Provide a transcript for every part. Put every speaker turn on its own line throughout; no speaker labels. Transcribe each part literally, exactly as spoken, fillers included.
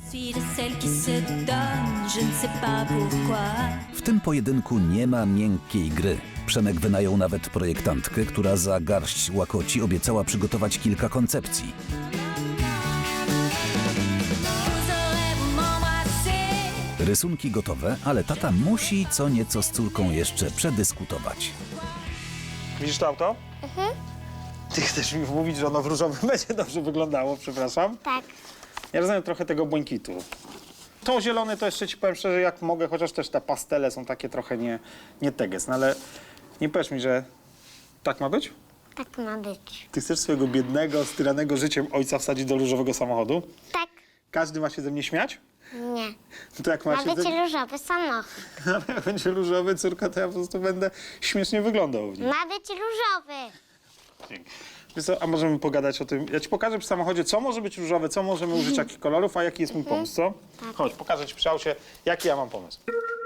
W tym pojedynku nie ma miękkiej gry. Przemek wynajął nawet projektantkę, która za garść łakoci obiecała przygotować kilka koncepcji. Rysunki gotowe, ale tata musi co nieco z córką jeszcze przedyskutować.
Widzisz to auto? Mhm. Ty chcesz mi mówić, że ono w różowym będzie dobrze wyglądało, przepraszam?
Tak.
Ja rozumiem trochę tego błękitu. To zielone to jeszcze ci powiem szczerze, jak mogę, chociaż też te pastele są takie trochę nie, nie teges, no ale nie powiesz mi, że tak ma być?
Tak ma być.
Ty chcesz swojego biednego, styranego życiem ojca wsadzić do różowego samochodu?
Tak.
Każdy ma się ze mnie śmiać?
Nie.
No to jak ma
Ma
się
być
ze...
różowy samochód.
Ale jak będzie różowy, córka, to ja po prostu będę śmiesznie wyglądał w nim.
Ma być różowy.
Dzięki. Wiesz co, a możemy pogadać o tym? Ja ci pokażę przy samochodzie, co może być różowe, co możemy użyć, jakich kolorów, a jaki jest mój pomysł, co? Chodź, pokażę ci przy aucie, jaki ja mam pomysł.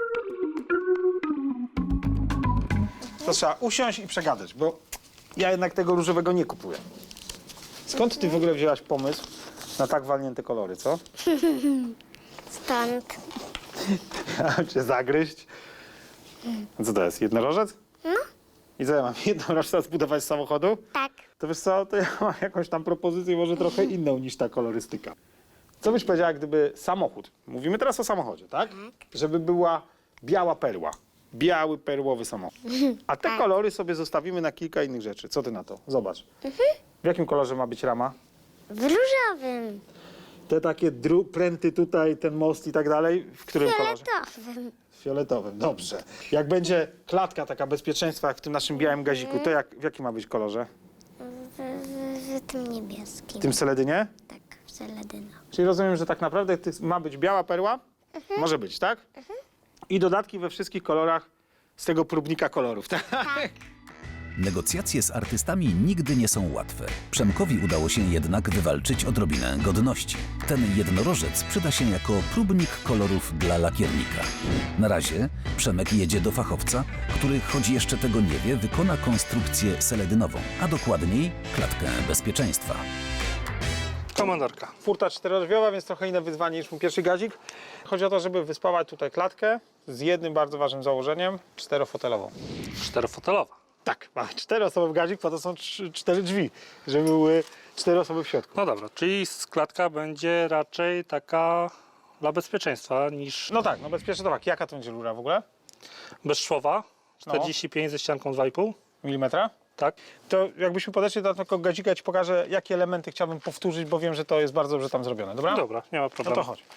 To trzeba usiąść i przegadać, bo ja jednak tego różowego nie kupuję. Skąd ty w ogóle wzięłaś pomysł na tak walnięte kolory, co?
Stąd.
Chciałem cię zagryźć. A co to jest, jednorożec?
No.
I co, ja mam jednorożca zbudować z samochodu?
Tak.
To wiesz co, to ja mam jakąś tam propozycję może trochę inną niż ta kolorystyka. Co byś powiedziała, gdyby samochód, mówimy teraz o samochodzie, tak? Żeby była biała perła, biały perłowy samochód. A te kolory sobie zostawimy na kilka innych rzeczy. Co ty na to? Zobacz. W jakim kolorze ma być rama?
W różowym.
Te takie dru- pręty tutaj, ten most i tak dalej, w którym kolorze?
Fioletowym.
Fioletowym, dobrze. Jak będzie klatka taka bezpieczeństwa, jak w tym naszym białym gaziku, to jak, w jakim ma być kolorze?
W, w, w tym niebieskim.
W tym seledynie?
Tak, w seledyna.
Czyli rozumiem, że tak naprawdę ty- ma być biała perła? Może być, tak? I dodatki we wszystkich kolorach z tego próbnika kolorów, tak?
Negocjacje z artystami nigdy nie są łatwe. Przemkowi udało się jednak wywalczyć odrobinę godności. Ten jednorożec przyda się jako próbnik kolorów dla lakiernika. Na razie Przemek jedzie do fachowca, który, choć jeszcze tego nie wie, wykona konstrukcję seledynową, a dokładniej klatkę bezpieczeństwa.
Komandorka.
Furta czterodrzwiowa, więc trochę inne wyzwanie niż mój pierwszy gazik. Chodzi o to, żeby wyspawać tutaj klatkę z jednym bardzo ważnym założeniem, czterofotelową.
Czterofotelowa.
Tak, mamy czteroosobowy gazik, po to są trzy, cztery drzwi, żeby były cztery osoby w środku.
No dobra, czyli klatka będzie raczej taka dla bezpieczeństwa niż
No tak, no bezpiecznie to tak. Jaka to będzie rura w ogóle?
bezszwowa. czterdzieści pięć ze ścianką dwa i pół.
Milimetra?
Tak.
To jakbyśmy podeszli do tego gazika, ja ci pokażę, jakie elementy chciałbym powtórzyć, bo wiem, że to jest bardzo dobrze tam zrobione, dobra?
Dobra, nie ma
No
problemu.
to chodź.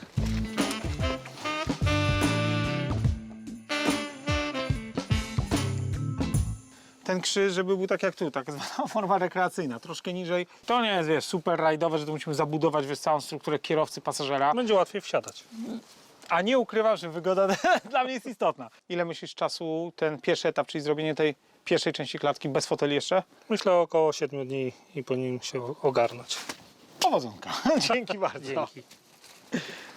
Ten krzyż, żeby był tak jak tu, tak zwana forma rekreacyjna, troszkę niżej. To nie jest, wiesz, super rajdowe, że tu musimy zabudować, wiesz, całą strukturę kierowcy, pasażera.
Będzie łatwiej wsiadać.
A nie ukrywam, że wygoda dla mnie jest istotna. Ile myślisz czasu ten pierwszy etap, czyli zrobienie tej pierwszej części klatki bez foteli jeszcze?
Myślę około siedmiu dni i powinien się ogarnąć.
Powodzonka. Dzięki bardzo.
Dzięki.